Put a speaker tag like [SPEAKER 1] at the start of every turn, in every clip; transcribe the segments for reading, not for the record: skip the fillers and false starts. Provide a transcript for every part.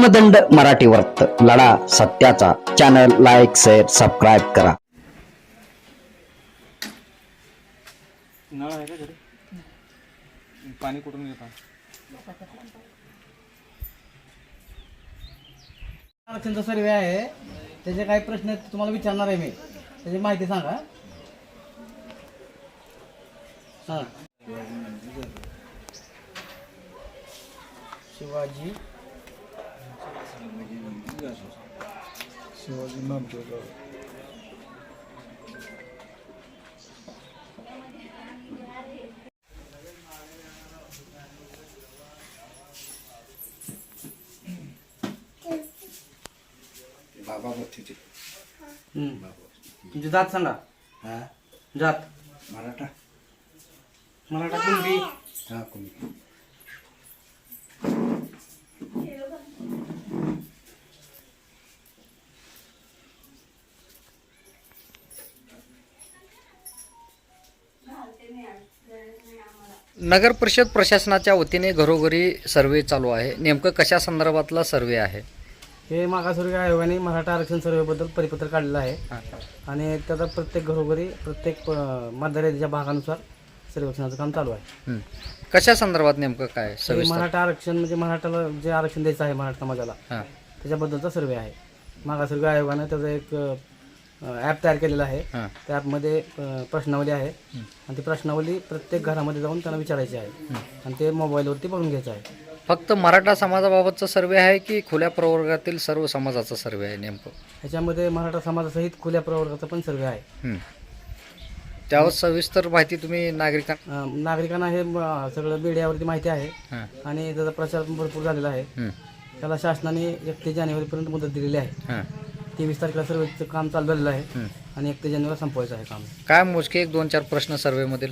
[SPEAKER 1] धर्मदंड मराठी वर्त लढा सत्याचा चॅनल लाईक शेअर सबस्क्राईब करा.
[SPEAKER 2] नळ आहे का घरी? पाणी कुठून घेता?
[SPEAKER 3] आरक्षणचा सर्वे आहे, त्याचे काही प्रश्न तुम्हाला विचारणार आहे मी, त्याची माहिती सांगा. हां, शिवाजी
[SPEAKER 4] बाबा बत्तीचे
[SPEAKER 3] तुमची जात सांगा.
[SPEAKER 4] हा
[SPEAKER 3] जात
[SPEAKER 4] मराठा
[SPEAKER 3] मराठा कुणबी
[SPEAKER 4] हा कोणी
[SPEAKER 5] नगर परिषद प्रशासनाच्या वतीने घरोघरी सर्वे चालू आहे. नेमकं कशा संदर्भातला सर्वे आहे?
[SPEAKER 3] हे मागासवर्गीय आयोगाने मराठा आरक्षण सर्वेबद्दल परिपत्र काढलेलं आहे आणि त्याचा प्रत्येक घरोघरी प्रत्येक मतदाराच्या भागानुसार सर्वेक्षणाचं काम चालू आहे.
[SPEAKER 5] कशा संदर्भात नेमकं काय
[SPEAKER 3] हे
[SPEAKER 5] सविस्तर?
[SPEAKER 3] मराठा आरक्षण म्हणजे मराठाला जे आरक्षण द्यायचं आहे मराठा समाजाला
[SPEAKER 5] हां,
[SPEAKER 3] त्याच्याबद्दलचा सर्वे आहे. मागासवर्गीय आयोगानं त्याचं एक ॲप तयार केलेलं आहे.
[SPEAKER 5] हां,
[SPEAKER 3] त्या ॲपमध्ये प्रश्नावली आहे आणि ती प्रश्नावली प्रत्येक घरामध्ये जाऊन त्यांना विचारायची आहे आणि ते मोबाईलवरती बघून घ्यायचं आहे.
[SPEAKER 5] फक्त मराठा समाजाबाबतचा सर्वे आहे की खुल्या प्रवर्गातील सर्व समाजाचा सर्वे आहे नेमकं?
[SPEAKER 3] ह्याच्यामध्ये मराठा समाजासहित खुल्या प्रवर्गाचा पण सर्वे आहे.
[SPEAKER 5] त्यावर सविस्तर माहिती तुम्ही नागरिकांना
[SPEAKER 3] नागरिकांना हे सगळं मीडियावरती माहिती आहे
[SPEAKER 5] हां,
[SPEAKER 3] आणि त्याचा प्रचार पण भरपूर झालेला आहे. त्याला शासनाने 31 जानेवारीपर्यंत मुदत दिलेली आहे.
[SPEAKER 5] हां,
[SPEAKER 3] 23 तारखेला सर्वेचं काम चालू झालेलं आहे आणि 31 जानेवारीला संपवायचं आहे काम.
[SPEAKER 5] काय मोजके 1-2-4 प्रश्न सर्वेमधील?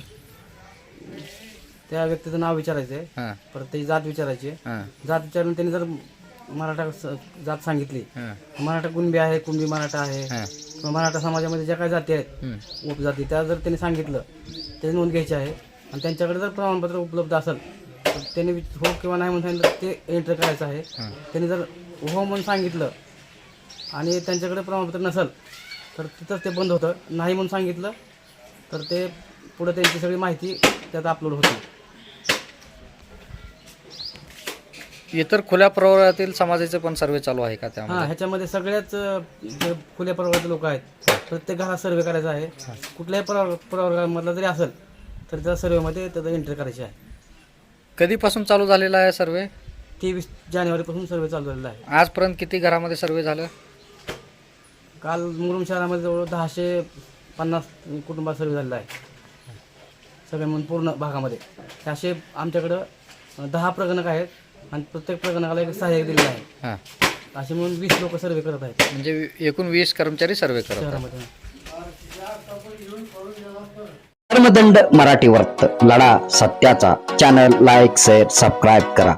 [SPEAKER 3] त्या व्यक्तीचं नाव विचारायचं आहे,
[SPEAKER 5] हां,
[SPEAKER 3] परत त्याची जात विचारायची आहे.
[SPEAKER 5] हां,
[SPEAKER 3] जात विचारून त्यांनी जर मराठा जात सांगितली,
[SPEAKER 5] हां,
[SPEAKER 3] मराठा कुणबी आहे, कुणबी मराठा आहे
[SPEAKER 5] हां,
[SPEAKER 3] किंवा मराठा समाजामध्ये ज्या काही जाती आहेत उपजाती, त्या जर त्यांनी सांगितलं त्याची नोंद घ्यायची आहे आणि त्यांच्याकडे जर प्रमाणपत्र उपलब्ध असेल तर त्यांनी हो किंवा नाही म्हणून सांगितलं ते एंटर करायचं आहे. त्यांनी जर हो म्हणून सांगितलं आणि त्यांच्याकडे प्रमाणपत्र नसेल तर तिथंच ते बंद होतं. नाही म्हणून सांगितलं तर ते पुढे त्यांची सगळी माहिती त्यात अपलोड होते.
[SPEAKER 5] इतर खुल्या प्रवर्गातील समाजाचे पण सर्वे चालू आहे का
[SPEAKER 3] हां,
[SPEAKER 5] त्यामध्ये?
[SPEAKER 3] ह्याच्यामध्ये सगळ्याच जे खुल्या प्रवर्गाचे लोक आहेत प्रत्येक घरात सर्वे करायचा आहे. कुठल्याही प्रवर्गामधला जरी असेल तर त्या सर्वेमध्ये त्याचं एंट्री करायची आहे.
[SPEAKER 5] कधीपासून चालू झालेला आहे सर्वे?
[SPEAKER 3] 23 जानेवारीपासून सर्वे चालू झालेला आहे.
[SPEAKER 5] आजपर्यंत किती घरामध्ये सर्वे झालं?
[SPEAKER 3] काल मुरुम शहरामध्ये जवळ 150 कुटुंबात सर्वे झालेला आहे सगळे म्हणून पूर्ण भागामध्ये. असे आमच्याकडं 10 प्रगणक आहेत आणि प्रत्येक प्रगणकाला एक सहाय्यक दिलेलं आहे.
[SPEAKER 5] हां,
[SPEAKER 3] असे म्हणून 20 लोक सर्वे करत आहेत
[SPEAKER 5] म्हणजे एकूण 20 कर्मचारी सर्वे करत आहेत.
[SPEAKER 3] शहरामध्ये.
[SPEAKER 1] धर्मदंड मराठी वर्त लढा सत्याचा चॅनल लाईक शेअर सबस्क्राईब करा.